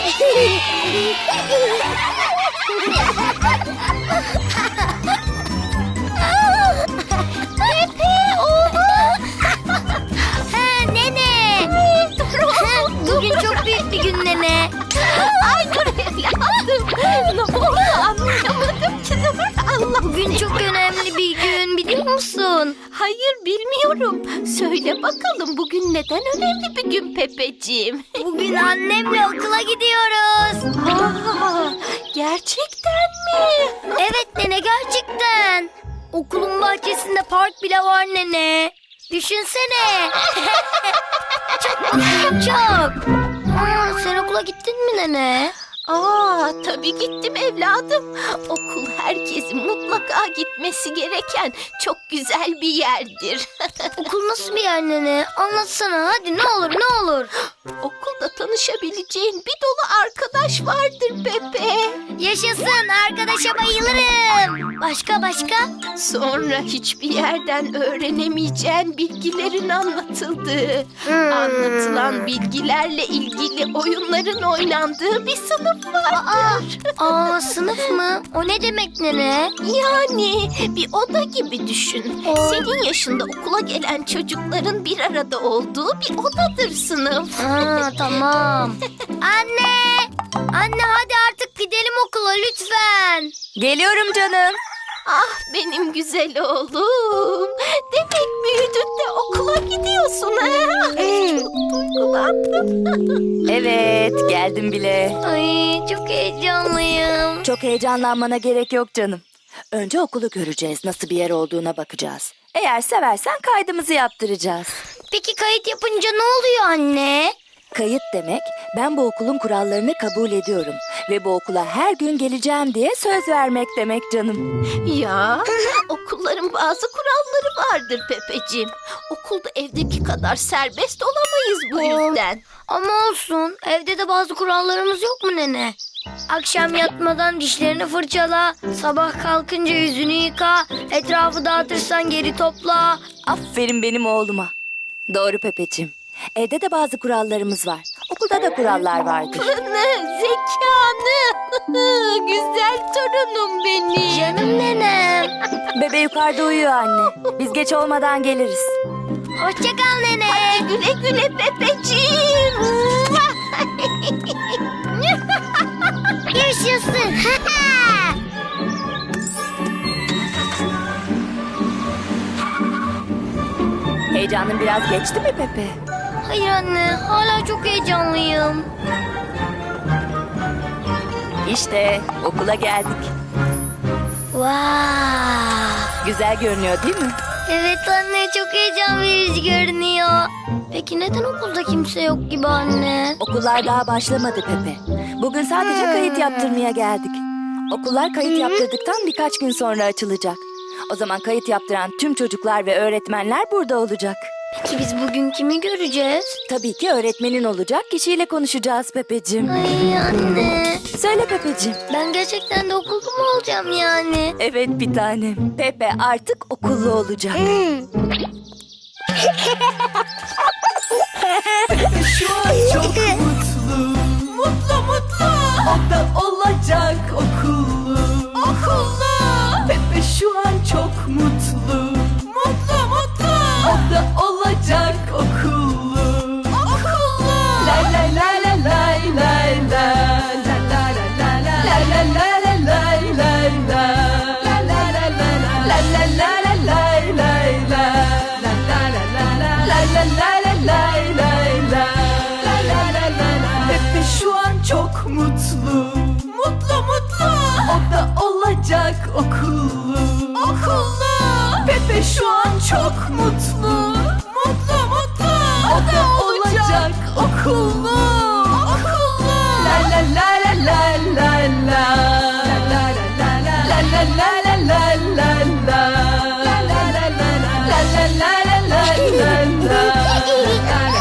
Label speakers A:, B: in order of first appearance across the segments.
A: Pepe oğlum.
B: Nene. Bugün çok büyük bir gün nene.
A: Ay dur evladım. Ne oldu anlayamadım ki. Allah.
B: Bugün çok önemli bir gün biliyor musun?
A: Hayır bilmiyorum. Söyle bakalım bugün neden önemli bir gün Pepeciğim?
B: Bugün annemle okula gidiyoruz.
A: Aa, gerçekten mi?
B: Evet nene gerçekten. Okulun bahçesinde park bile var nene. Düşünsene. Çok mutluyum çok. Sen okula gittin mi nene?
A: Tabii gittim evladım. Okul herkesin mutlaka gitmesi gereken çok güzel bir yerdir.
B: Okul nasıl bir yer nene? Anlatsana hadi ne olur ne olur.
A: Okulda tanışabileceğin bir dolu arkadaş vardır Pepe.
B: Yaşasın arkadaşa bayılırım. Başka?
A: Sonra hiçbir yerden öğrenemeyeceğin bilgilerin anlatıldığı, anlatılan bilgilerle ilgili oyunların oynandığı bir sınıf vardır.
B: Sınıf mı? O ne demek nene?
A: Yani bir oda gibi düşün. Senin yaşında okula gelen çocukların bir arada olduğu bir odadır sınıf.
B: Tamam. Anne! Anne hadi artık gidelim okula lütfen.
C: Geliyorum canım.
A: Ah benim güzel oğlum. Demek büyüdün de okula gidiyorsun ha? Ay, çok duygulandım.
C: Evet, geldim bile.
B: Ay çok heyecanlıyım.
C: Çok heyecanlanmana gerek yok canım. Önce okulu göreceğiz, nasıl bir yer olduğuna bakacağız. Eğer seversen kaydımızı yaptıracağız.
B: Peki kayıt yapınca ne oluyor anne?
C: Kayıt demek, ben bu okulun kurallarını kabul ediyorum ve bu okula her gün geleceğim diye söz vermek demek canım.
A: Ya okulların bazı kuralları vardır Pepeciğim. Okulda evdeki kadar serbest olamayız bu yüzden.
B: Ama olsun evde de bazı kurallarımız yok mu nene? Akşam yatmadan dişlerini fırçala, sabah kalkınca yüzünü yıka, etrafı dağıtırsan geri topla.
C: Aferin benim oğluma. Doğru Pepeciğim. Evde de bazı kurallarımız var. Okulda da kurallar vardır.
A: Zekanı, güzel torunum benim.
B: Canım nenem.
C: Bebe yukarıda uyuyor anne. Biz geç olmadan geliriz.
B: Hoşça kal nene.
A: Güle güle Pepeciğim.
B: Yaşasın.
C: Heyecanın biraz geçti mi Pepe?
B: Hayır anne, hala çok heyecanlıyım.
C: İşte okula geldik.
B: Wow.
C: Güzel görünüyor değil mi?
B: Evet anne, çok heyecan verici görünüyor. Peki neden okulda kimse yok gibi anne?
C: Okullar daha başlamadı Pepe. Bugün sadece kayıt yaptırmaya geldik. Okullar kayıt yaptırdıktan birkaç gün sonra açılacak. O zaman kayıt yaptıran tüm çocuklar ve öğretmenler burada olacak.
B: Peki biz bugün kimi göreceğiz?
C: Tabii ki öğretmenin olacak kişiyle konuşacağız Pepeciğim.
B: Ay anne,
C: Söyle Pepeciğim.
B: ben gerçekten de okulda mı olacağım yani?
C: Evet bir tanem. Pepe artık okullu olacak.
D: Şu an çok mutlu. Mutlu. O da olacak okullu. Pepe şu an çok mutlu. Mutlu. O da olacak okullu. Lay lay lay lay lay lay lay. Lay lay lay lay lay lay lay lay. Lay lay lay lay lay lay lay lay. Pepe şu an çok mutlu. O da olacak okullu. Pepe şu an çok mutlu. O da olacak okullu. La la la la la la la. La la la la la la la la la. La la la la la la la la.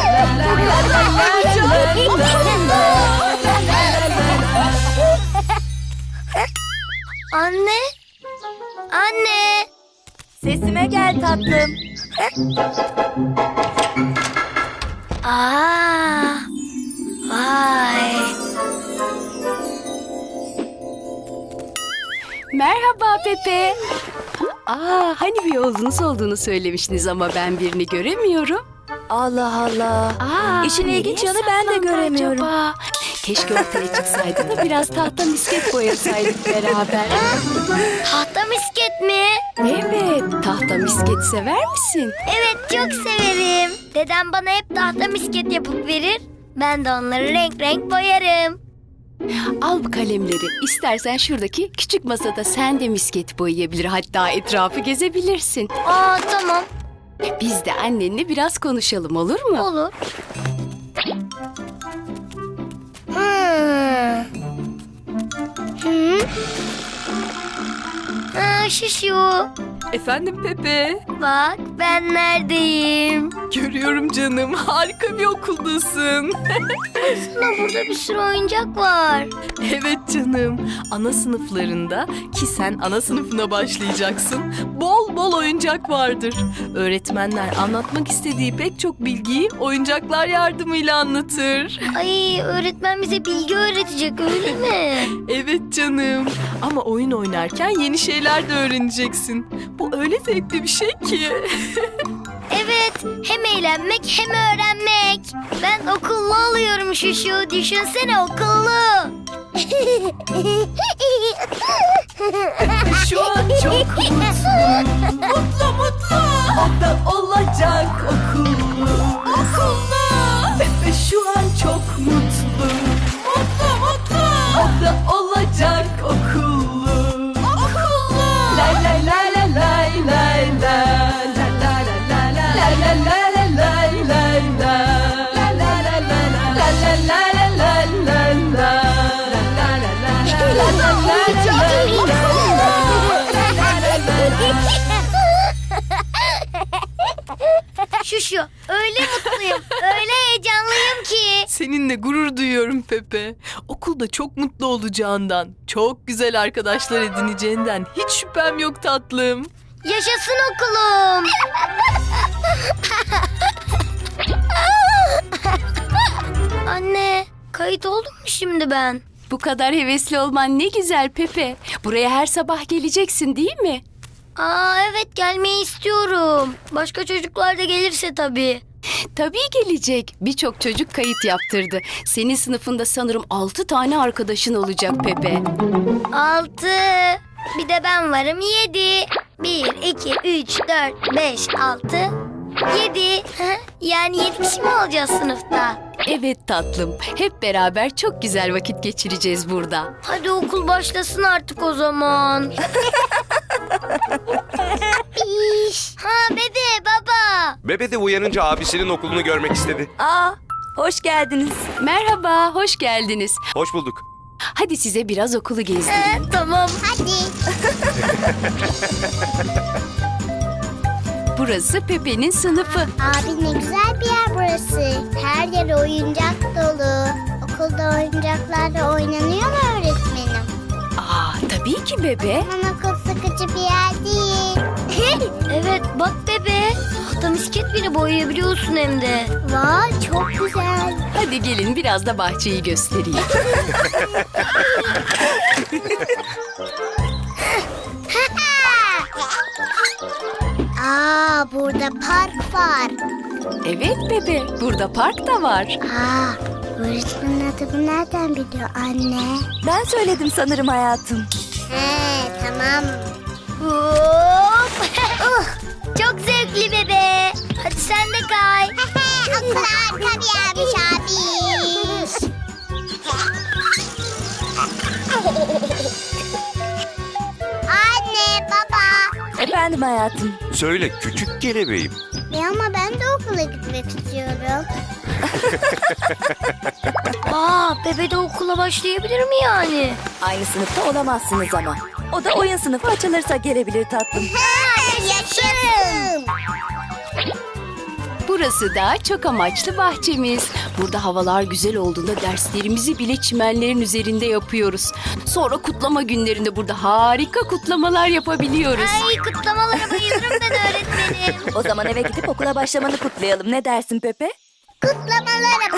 B: Anne, anne.
C: Sesime gel tatlım.
B: Vay.
D: Merhaba Pepe. Hani bir oğlunuz olduğunu söylemiştiniz ama ben birini göremiyorum.
C: Allah Allah. İşin ilginç yanı ben de göremiyorum.
D: Acaba? Keşke ortaya çıksaydı da biraz tahta misket boyasaydık beraber.
B: Tahta misket mi?
D: Evet, tahta misket sever misin?
B: Evet, çok severim. Dedem bana hep tahta misket yapıp verir. Ben de onları renk renk boyarım.
D: Al bu kalemleri. İstersen şuradaki küçük masada sen de misket boyayabilir. Hatta etrafı gezebilirsin.
B: Tamam.
D: Biz de annenle biraz konuşalım, olur mu?
B: Olur. Şuşu.
E: Efendim Pepe.
B: Bak ben neredeyim?
E: Görüyorum canım. Harika bir okuldasın.
B: Aslında burada bir sürü oyuncak var.
E: Evet canım. Ana sınıflarında ki sen ana sınıfına başlayacaksın. Bol bol oyuncak vardır. Öğretmenler anlatmak istediği pek çok bilgiyi oyuncaklar yardımıyla anlatır.
B: Ay, öğretmen bize bilgi öğretecek, öyle mi?
E: Evet canım. Ama oyun oynarken yeni şeyler de öğreneceksin. Bu öyle zevkli bir şey ki.
B: Evet, hem eğlenmek hem öğrenmek. Ben okullu oluyorum Şuşu, düşünsene okullu.
E: Şu an çok mutlu. Mutlu mutlu. O da olacak okullu. Okullu. Pepe şu an çok mutlu. Mutlu mutlu. O da olacak okullu. Okullu. La la la la la la la. La la la la la. La la la la la la la. La la la la la. La la la la la la la. La la la la la la la.
B: Şuşu, öyle mutluyum, öyle heyecanlıyım ki.
E: Seninle gurur duyuyorum Pepe. Okulda çok mutlu olacağından, çok güzel arkadaşlar edineceğinden hiç şüphem yok tatlım.
B: Yaşasın okulum. Anne, kayıt oldum mu şimdi ben?
D: Bu kadar hevesli olman ne güzel Pepe. Buraya her sabah geleceksin değil mi?
B: Evet, gelmeyi istiyorum. Başka çocuklar da gelirse tabii.
D: Tabii gelecek. Birçok çocuk kayıt yaptırdı. Senin sınıfında sanırım 6 tane arkadaşın olacak Pepe.
B: 6. Bir de ben varım 7. 1, 2, 3, 4, 5, 6, 7. Yani 7 kişi mi olacağız sınıfta?
D: Evet tatlım. Hep beraber çok güzel vakit geçireceğiz burada.
B: Hadi okul başlasın artık o zaman. Bebe, baba.
F: Bebe de uyanınca abisinin okulunu görmek istedi.
C: Hoş geldiniz.
D: Merhaba, hoş geldiniz.
F: Hoş bulduk.
D: Hadi size biraz okulu gezdireyim.
B: Tamam. Hadi.
D: Burası Pepe'nin sınıfı.
G: Abi ne güzel bir yer burası. Her yer oyuncak dolu. Okulda oyuncaklarla oynanıyor mu öğretmenim?
D: Tabii ki bebe.
G: Aman okul sıkıcı bir yer değil.
B: Evet, bak bebe. Tahta misket bile boyayabiliyorsun hem de.
G: Vay çok güzel.
D: Hadi gelin biraz da bahçeyi göstereyim.
G: Burada park var.
D: Evet bebe, burada park da var.
G: Öğretmenin adını nereden biliyor anne?
C: Ben söyledim sanırım hayatım.
G: Tamam.
B: Hop. Çok zevkli bebe. Hadi sen de kay.
G: Okul harika bir yermiş abiş. Anne, baba.
C: Efendim hayatım.
F: Söyle küçük kelebeğim.
G: Ama ben de okula gitmek istiyorum.
B: Bebe de okula başlayabilir mi yani?
C: Aynı sınıfta olamazsınız ama. O da oyun sınıfı açılırsa gelebilir tatlım.
G: Yaşasın.
D: Burası da çok amaçlı bahçemiz. Burada havalar güzel olduğunda derslerimizi bile çimenlerin üzerinde yapıyoruz. Sonra kutlama günlerinde burada harika kutlamalar yapabiliyoruz.
B: Ay, kutlamalara bayılırım ben öğretmenim.
C: O zaman eve gidip okula başlamanı kutlayalım. Ne dersin Pepe?
G: Kutlamalara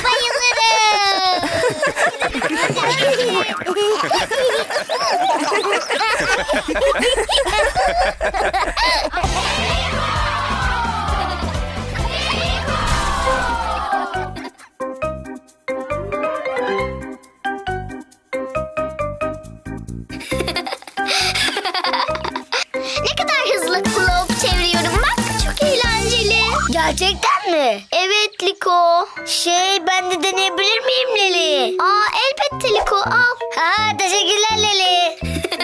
G: bayılırım. Ne kadar hızlı globe çeviriyorum bak. Çok eğlenceli.
B: Gerçekten mi?
G: Evet Liko.
B: Ben de deneyebilir miyim Leli?
G: Elbette Liko al.
B: Ha, teşekkürler Leli.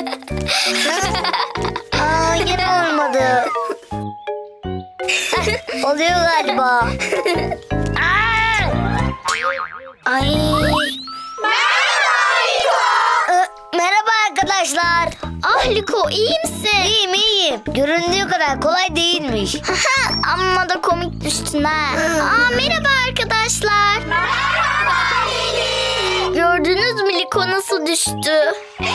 B: Yine olmadı. Oluyor galiba. Ay. Merhaba arkadaşlar.
G: Liko iyi misin?
B: İyiyim. Göründüğü kadar kolay değilmiş.
G: Amma da komik düştün ha. Merhaba arkadaşlar. Gördünüz mü Liko nasıl düştü?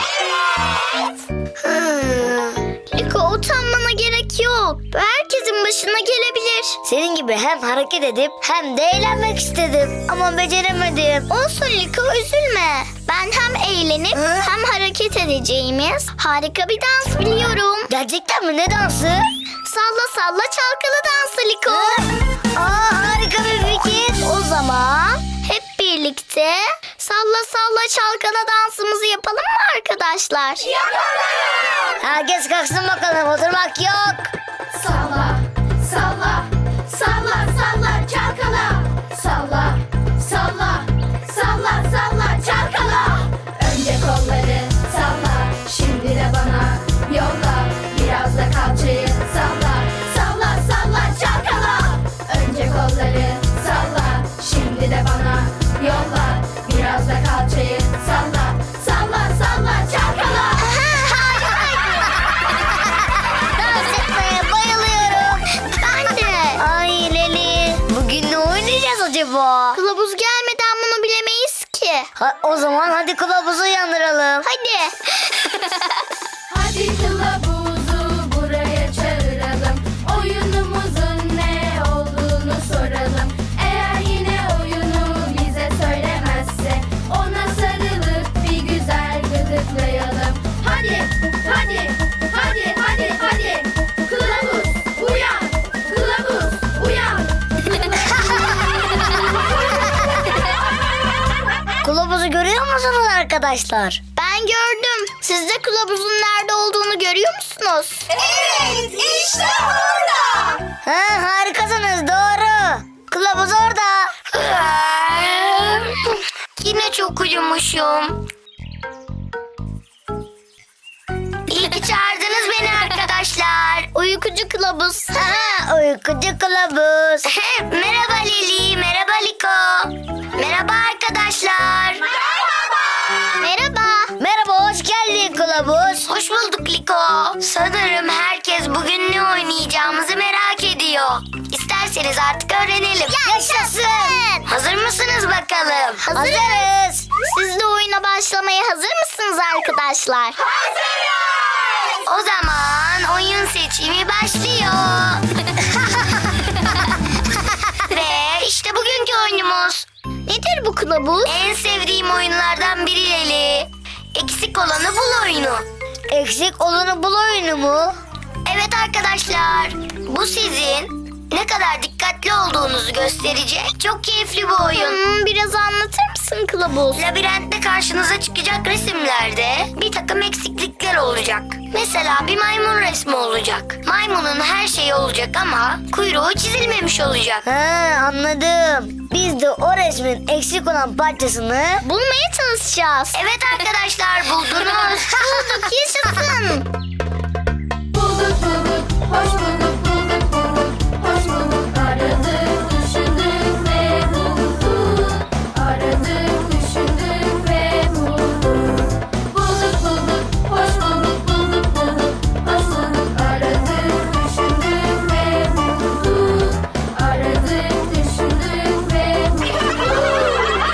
G: Liko utanmana gerek yok. Bu herkesin başına gelebilir.
B: Senin gibi hem hareket edip hem de eğlenmek istedim. Ama beceremedim.
G: Olsun Liko üzülme. Ben hem eğlenip hem hareket edeceğimiz harika bir dans biliyorum.
B: Gerçekten mi? Ne dansı?
G: Salla salla çalkalı dansı Liko.
B: Harika bir fikir.
G: O zaman hep birlikte salla salla çalkala dansımızı yapalım mı arkadaşlar?
B: Herkes kalksın bakalım. Oturmak yok.
D: Salla, salla, salla, salla, çalkala. Salla, salla, salla, salla, çalkala. Önce kolları salla, şimdi de bana yolla. Biraz da kalçayı salla, salla, salla, çalkala. Önce kolları salla, şimdi de bana yolla. Biraz da kalçayı salla, salla, salla, çalkala.
B: Dans etmeye bayılıyorum.
G: Ben de.
B: Ay Leli. Bugün ne oynayacağız acaba?
G: Kılavuz gelmeden bunu bilemeyiz ki.
B: O zaman hadi kılavuzu uyandıralım.
G: Hadi.
D: Hadi kılavuzu buraya çağıralım. Oyunumuzun ne olduğunu soralım. Eğer yine oyunu bize söylemezse ona sarılıp bir güzel gıdıklayalım. Hadi, hadi, hadi, hadi, hadi. Kılavuz uyan, kılavuz uyan.
B: Kılavuzu görüyor musunuz arkadaşlar?
G: Ben gördüm. Siz de kılavuzun nerede olduğunu görüyor musunuz?
D: Evet, işte orada.
B: Harikasınız, doğru. Kılavuz orada.
G: Yine çok uyumuşum. İyi ki çağırdınız beni arkadaşlar. Uykucu kılavuz.
B: Uykucu kılavuz.
G: Merhaba Lili, merhaba Liko. Merhaba arkadaşlar. Merhaba.
B: Merhaba, hoş geldin kılavuz.
G: Hoş bulduk Liko. Sanırım herkes bugün ne oynayacağımızı merak ediyor. İsterseniz artık öğrenelim.
B: Yaşasın.
G: Hazır mısınız bakalım?
B: Hazırız.
G: Siz de oyuna başlamaya hazır mısınız arkadaşlar? Hazırız. O zaman oyun seçimi başlıyor. Ve işte bugünkü oyunumuz. Nedir bu kılavuz? En sevdiğim oyunlardan biri Leli. Eksik olanı bul oyunu.
B: Eksik olanı bul oyunu mu?
G: Evet arkadaşlar, bu sizin ne kadar dikkatli olduğunuzu gösterecek çok keyifli bir oyun. Biraz anlatır mısın kılavuz? Labirentte karşınıza çıkacak resimlerde bir takım eksiklikler olacak. Mesela bir maymun resmi olacak. Maymunun her şeyi olacak ama kuyruğu çizilmemiş olacak.
B: Anladım. Biz de o resmin eksik olan parçasını
G: Bulmaya çalışacağız. Evet arkadaşlar buldunuz. Bulduk yaşasın.
D: Bulduk bulduk, hoş bulduk, bulduk bulduk, hoş bulduk. Aradık, düşündük ve bulduk. Aradık, düşündük ve bulduk. Bulduk bulduk, hoş bulduk, bulduk bulduk, hoş bulduk. Aradık, düşündük ve bulduk. Aradık, düşündük ve bulduk.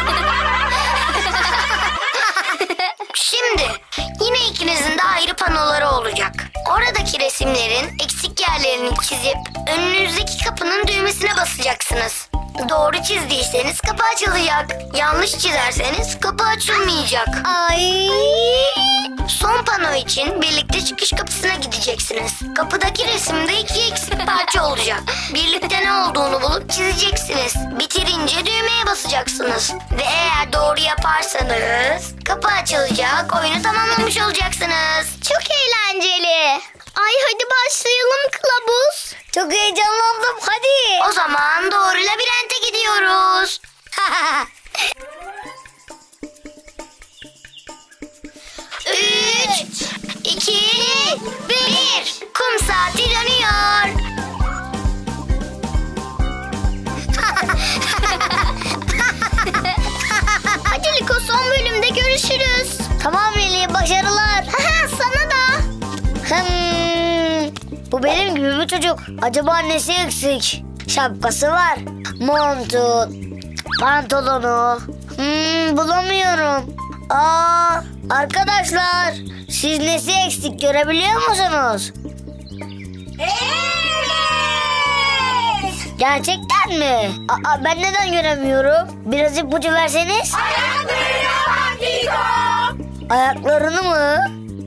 G: Şimdi yine ikinizin de ayrı panoları olacak. Oradaki resimlerin eksik yerlerini çizip önünüzdeki kapının düğmesine basacaksınız. Doğru çizdiyseniz kapı açılacak. Yanlış çizerseniz kapı açılmayacak.
B: Ay.
G: Son pano için için birlikte çıkış kapısına gideceksiniz. Kapıdaki resimde 2 eksik parça olacak. Birlikte ne olduğunu bulup çizeceksiniz. Bitirince düğmeye basacaksınız. Ve eğer doğru yaparsanız kapı açılacak, oyunu tamamlamış olacaksınız.
B: Çok eğlenceli. Ay hadi başlayalım kılavuz. Çok heyecanlandım hadi.
G: O zaman doğru labirente gidiyoruz. 3, 2, 1. Kum saati dönüyor.
B: Hadi Liko son bölümde görüşürüz. Tamam Leli başarılar. Sana da. Bu benim gibi bir çocuk. Acaba annesi eksik? Şapkası var. Montu, pantolonu. Bulamıyorum. Arkadaşlar siz nesi eksik görebiliyor musunuz? Evet. Gerçekten mi? Ben neden göremiyorum? Biraz ipucu verseniz. Ayaklarını mı?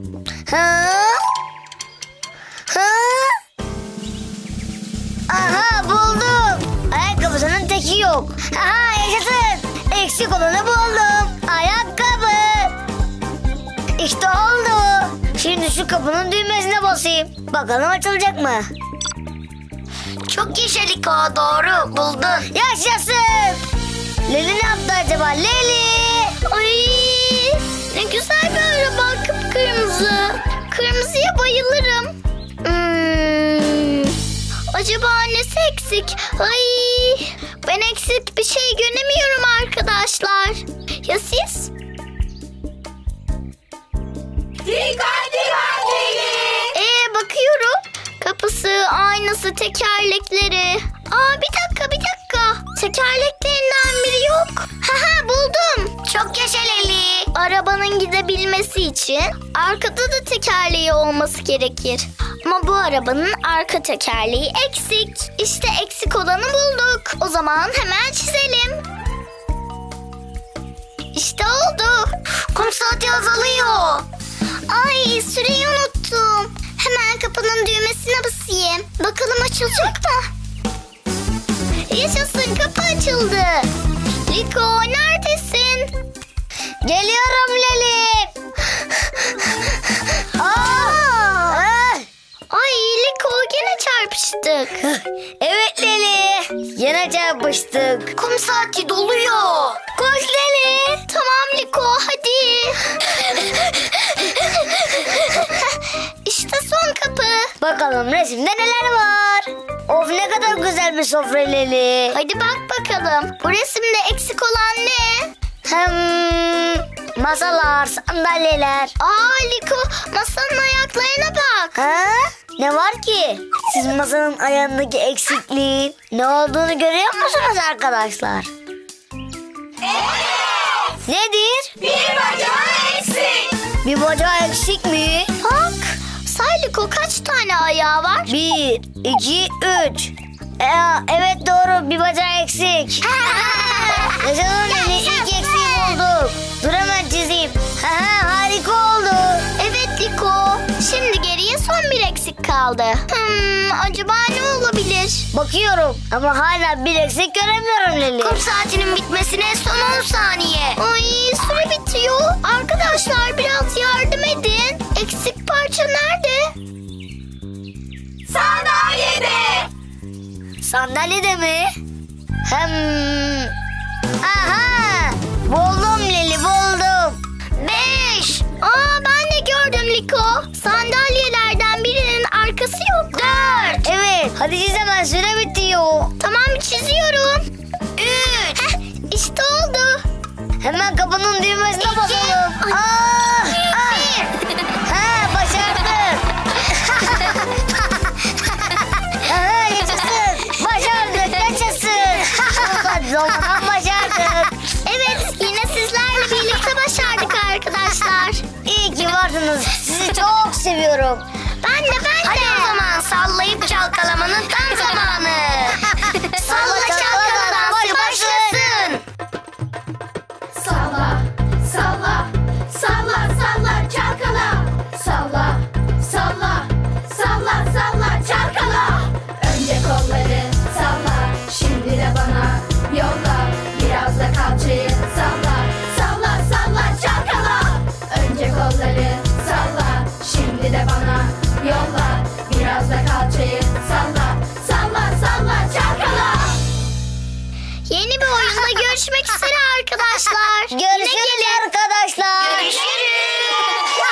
B: Aha buldum. Ayakkabısının teki yok. Aha yaşasın. Eksik olanı buldum. Ayakkabı. İşte oldu. Şimdi şu kapının düğmesine basayım. Bakalım açılacak mı?
G: Çok yaşa Liko, doğru buldun.
B: Yaşasın. Leli ne yaptı acaba? Leli. Ay ne güzel bir araba, kıpkırmızı. Kırmızıya bayılırım. Acaba annesi eksik? Ay ben eksik bir şey göremiyorum arkadaşlar. Ya siz? Bakıyorum. Kapısı, aynası, tekerlekleri. Bir dakika. Tekerleklerinden biri yok. Buldum.
G: Çok yaşa Leli.
B: Arabanın gidebilmesi için arkada da tekerleği olması gerekir. Ama bu arabanın arka tekerleği eksik. İşte eksik olanı bulduk. O zaman hemen çizelim. İşte oldu.
G: Kum saati azalıyor.
B: Ay süreyi unuttum. Hemen kapının düğmesine basayım. Bakalım açılacak mı? Yaşasın, kapı açıldı. Liko neredesin? Geliyorum Leli. Ay Liko gene çarpıştık. Evet Leli. Yine çarpıştık.
G: Kum saati doluyor.
B: Koş Leli. Tamam Liko hadi. İşte son kapı. Bakalım resimde neler var. Of ne kadar güzel bir sofra Leli. Hadi bak bakalım. Bu resimde eksik olan ne? Masalar, sandalyeler. Liko masanın ayaklarına bak. Ne var ki? Siz masanın ayağındaki eksikliğin ne olduğunu görüyor musunuz arkadaşlar? Evet. Nedir?
D: Bir bacağı eksik.
B: Bir bacağı eksik mi? Bak. Say Liko kaç tane ayağı var? 1, 2, 3. Evet doğru bir bacağı eksik. Yaşasın Leli ilk eksiği bulduk. Dur hemen çizeyim. Harika oldu. Evet Liko. Şimdi geriye son bir eksik kaldı. Acaba ne olabilir? Bakıyorum ama hala bir eksik göremiyorum Leli.
G: Kum saatinin bitmesine son 10 saniye.
B: Ay süre bitiyor. Arkadaşlar biraz yardım edin. Eksik parça nerede?
D: Sandalyede.
B: Sandalyede mi? Aha! Buldum Leli buldum.
G: 5.
B: Ben de gördüm Liko. Sandalyelerden birinin arkası yok. 4. Evet. Hadi çiz hemen süre bitiyor. Tamam çiziyorum.
G: 3.
B: İşte oldu. Hemen kapının düğmesine basalım. Başardık. Yaşasın. Başardık. Yaşasın. Zaman başardık. Evet yine sizlerle birlikte başardık arkadaşlar. İyi ki varsınız. Sizi çok seviyorum. Ben de.
G: Hadi o zaman sallayıp çalkalamanın tam zamanı. Salla çalkala dansı başlasın.
D: Salla, salla, salla, salla, çalkala. Salla,
G: görüşmek üzere arkadaşlar. Görüşürüz arkadaşlar. Görüşürüz.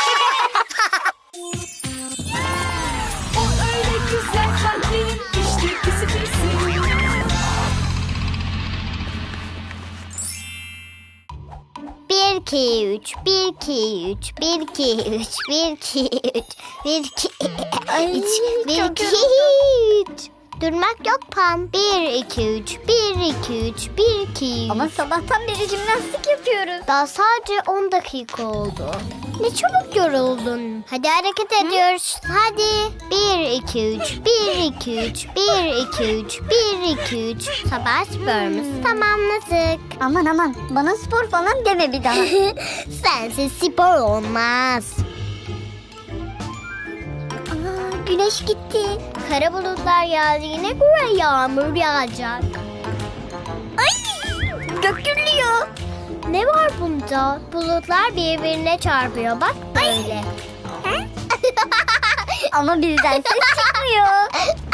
E: O öyle güzel kalplerin işte pisi pisi.
B: Bir, iki, üç, bir, iki, üç, bir, iki, üç, bir, iki, üç, bir, iki, üç, bir, iki, üç. Durmak yok Pam. 1, 2, 3, 1, 2, 3, 1, 2, 3.
G: Ama sabahtan beri jimnastik yapıyoruz.
B: Daha sadece 10 dakika oldu. Ne çabuk yoruldun. Hadi hareket ediyoruz. Hadi. 1, 2, 3, 1, 2, 3, 1, 2, 3, 1, 2, 3. Sabah sporumuzu tamamladık.
G: Aman bana spor falan deme bir daha.
B: Sensiz spor olmaz. Güneş gitti. Kara bulutlar geldiğine göre yağmur yağacak. Ay! Gök gürlüyor. Ne var bunda? Bulutlar birbirine çarpıyor. Bak böyle.
G: Ama bizden ses çıkmıyor.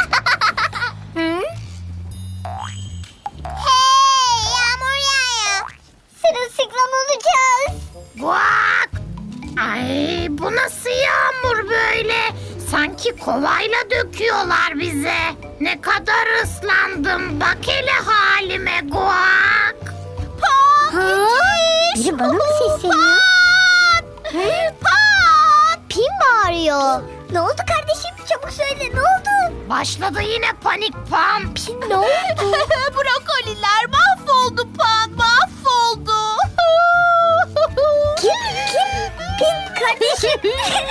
B: Hey! Yağmur yağıyor.
G: Sırılsıklam olacağız.
A: Guak! Ay bu nasıl yağmur böyle? Sanki kovayla döküyorlar bize. Ne kadar ıslandım. Bak hele halime Guak.
G: Biri bana mı sesleniyor?
B: Pin bağırıyor.
G: Ne oldu kardeşim? Çabuk söyle ne oldu?
A: Başladı yine panik Pam.
B: Ne oldu?
A: Brokoliler mahvoldu Pam, mahvoldu.
G: Kim? Pin kardeşim.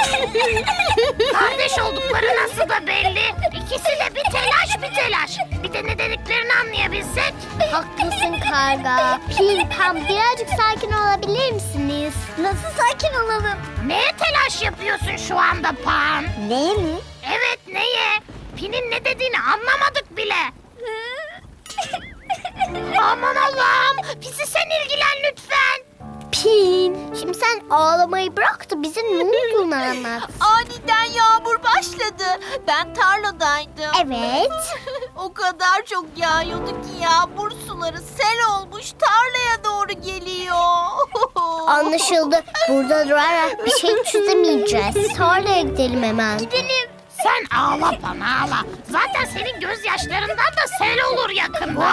A: Kardeş oldukları nasıl da belli. İkisi de bir telaş. Bir de ne dediklerini anlayabilsek.
B: Haklısın karga. Pin, Pam birazcık sakin olabilir misiniz?
G: Nasıl sakin olalım?
A: Neye telaş yapıyorsun şu anda Pam?
G: Neye mi?
A: Evet neye? Pin'in ne dediğini anlamadık bile. Aman Allah'ım. Pisi sen ilgilen lütfen.
B: Pin, şimdi sen ağlamayı bırak da bize ne olduğunu anlat.
D: Aniden yağmur başladı. Ben tarladaydım.
B: Evet.
D: O kadar çok yağıyordu ki yağmur suları sel olmuş tarlaya doğru geliyor.
B: Anlaşıldı. Burada durarak bir şey çözemeyeceğiz. Tarlaya gidelim hemen. Gidelim.
A: Sen ağla Pam ağla. Zaten senin gözyaşlarından da sel olur yakında.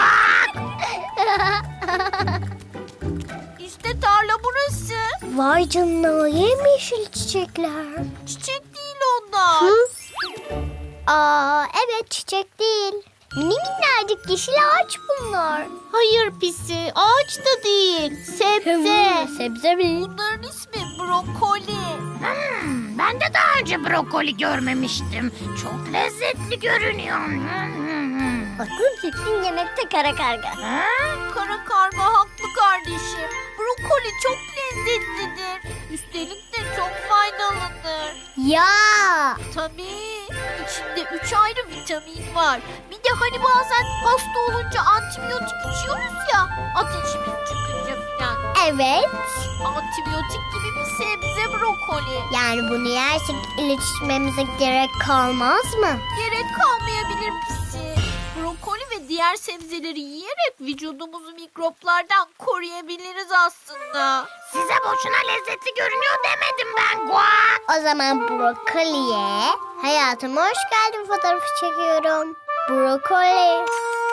D: İşte tarla burası.
B: Vay canına, yemyeşil çiçekler.
D: Çiçek değil onlar.
B: Hı? Aa, evet çiçek değil. Mini minnacık yeşil ağaç bunlar.
D: Hayır pisi ağaç da değil. Sebze.
B: Sebze mi?
D: Bunların ismi brokoli.
A: Ben de daha önce brokoli görmemiştim. Çok lezzetli görünüyor.
G: Aklın fikrin yemekte kara karga.
A: Ha?
D: Kara karga haklı kardeşim. Brokoli çok lezzetlidir. Üstelik de çok faydalıdır.
B: Ya.
D: Tabii. İçinde 3 ayrı vitamin var. Bir de hani bazen hasta olunca antibiyotik içiyoruz ya. Ateşimiz çıkınca falan.
B: Evet.
D: Antibiyotik gibi bir sebze brokoli.
B: Yani bunu yersek ilaç içmemize gerek kalmaz mı?
D: Gerek kalmayabilir pisi. Brokoli ve diğer sebzeleri yiyerek vücudumuzu mikroplardan koruyabiliriz aslında.
A: Size boşuna lezzetli görünüyor demedim ben Guak.
B: O zaman brokoliye hayatıma hoş geldin fotoğrafı çekiyorum. Brokoli.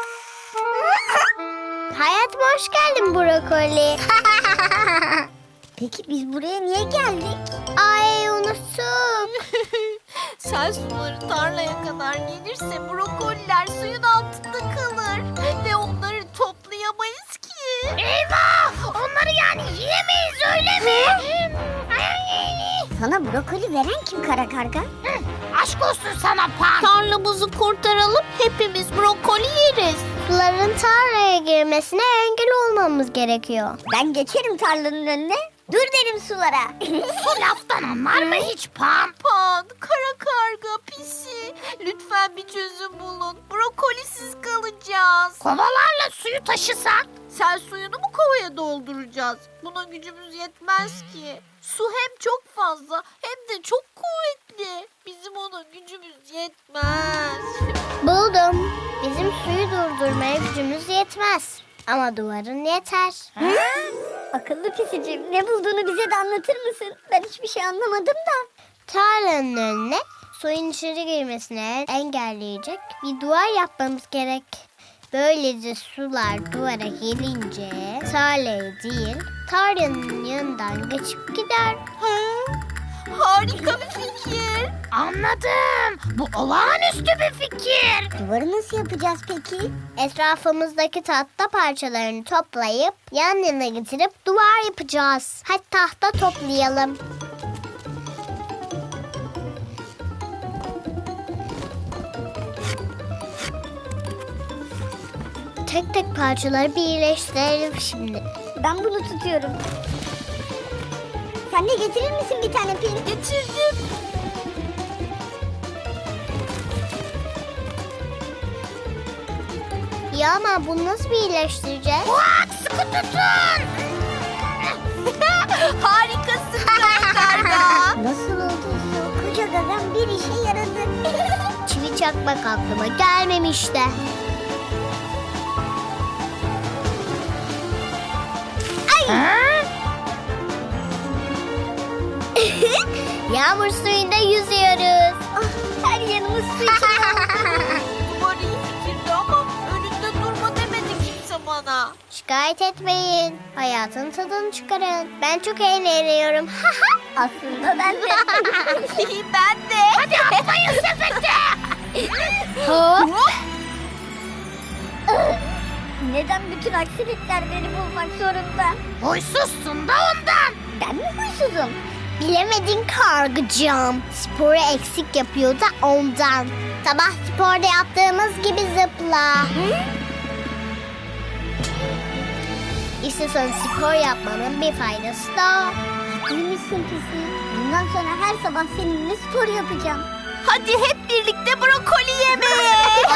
B: Hayatıma hoş geldin brokoli.
G: Peki biz buraya niye geldik?
B: Ay unuttum.
D: Sel suları tarlaya kadar gelirse brokoliler suyun altında kalır. Ve onları toplayamayız ki.
A: Eyvah! Onları yani yiyemeyiz öyle mi?
G: Sana brokoli veren kim kara karga?
A: Aşk olsun sana Pan.
D: Tarlamızı kurtaralım hepimiz brokoli yeriz.
B: Suların tarlaya girmesine engel olmamız gerekiyor.
G: Ben geçerim tarlanın önüne. Dur derim sulara.
A: Bu laftan anlar mı hiç Pan?
D: Pan, kara karga, pisi. Lütfen bir çözüm bulun. Brokolisiz kalacağız.
A: Kovalarla suyu taşısak?
D: Sel suyunu mu kovaya dolduracağız? Buna gücümüz yetmez ki. Su hem çok fazla hem de çok kuvvetli. Bizim ona gücümüz yetmez.
B: Buldum. Bizim suyu durdurmaya gücümüz yetmez.
G: Ama duvarın yeter.
B: Akıllı pisicim, ne bulduğunu bize de anlatır mısın? Ben hiçbir şey anlamadım da.
G: Tarlanın önüne suyun içeri girmesini engelleyecek bir duvar yapmamız gerek. Böylece sular duvara gelince tarlaya değil tarlanın yanından geçip gider.
A: Harika bir fikir.
G: Anladım. Bu olağanüstü bir fikir.
B: Duvarı nasıl yapacağız peki?
G: Etrafımızdaki tahta parçalarını toplayıp yan yana getirip duvar yapacağız. Hadi tahta toplayalım. Tek tek parçaları birleştirelim şimdi.
B: Ben bunu tutuyorum. Sen de getirir misin bir tane pil?
A: Getirdim.
G: Ya ama bunu nasıl birleştireceğiz? Sıkı tutun.
A: Harikasın karga.
B: Nasıl olduysa o koca gagam bir işe yaradı.
G: Çivi çakmak aklıma gelmemişti. Yağmur suyunda yüzüyoruz.
B: Her yanımız su içinde.
A: Duvar iyi fikirdi ama önünde durma demedi kimse bana.
G: Şikayet etmeyin. Hayatın tadını çıkarın. Ben çok eğleniyorum.
B: Aslında ben de.
A: Ben de. Hadi atlayın sepete.
B: Neden bütün aksilikler beni bulmak zorunda?
G: Huysuzsun da ondan.
B: Ben mi huysuzum?
G: Bilemedin kargıcığım. Sporu eksik yapıyor da ondan. Sabah sporda yaptığımız gibi zıpla. İstiyorsan spor yapmanın bir faydası da.
B: Duymuşsun pisi. Bundan sonra her sabah seninle spor yapacağım.
A: Hadi hep birlikte brokoli yemeye.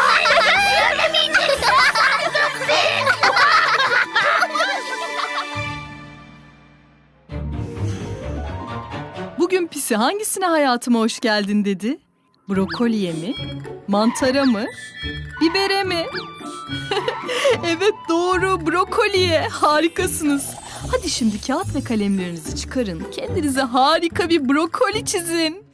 E: Bugün Pisi hangisine hayatıma hoş geldin dedi? Brokoliye mi? Mantara mı? Bibere mi? Evet doğru, brokoliye. Harikasınız. Hadi şimdi kağıt ve kalemlerinizi çıkarın. Kendinize harika bir brokoli çizin.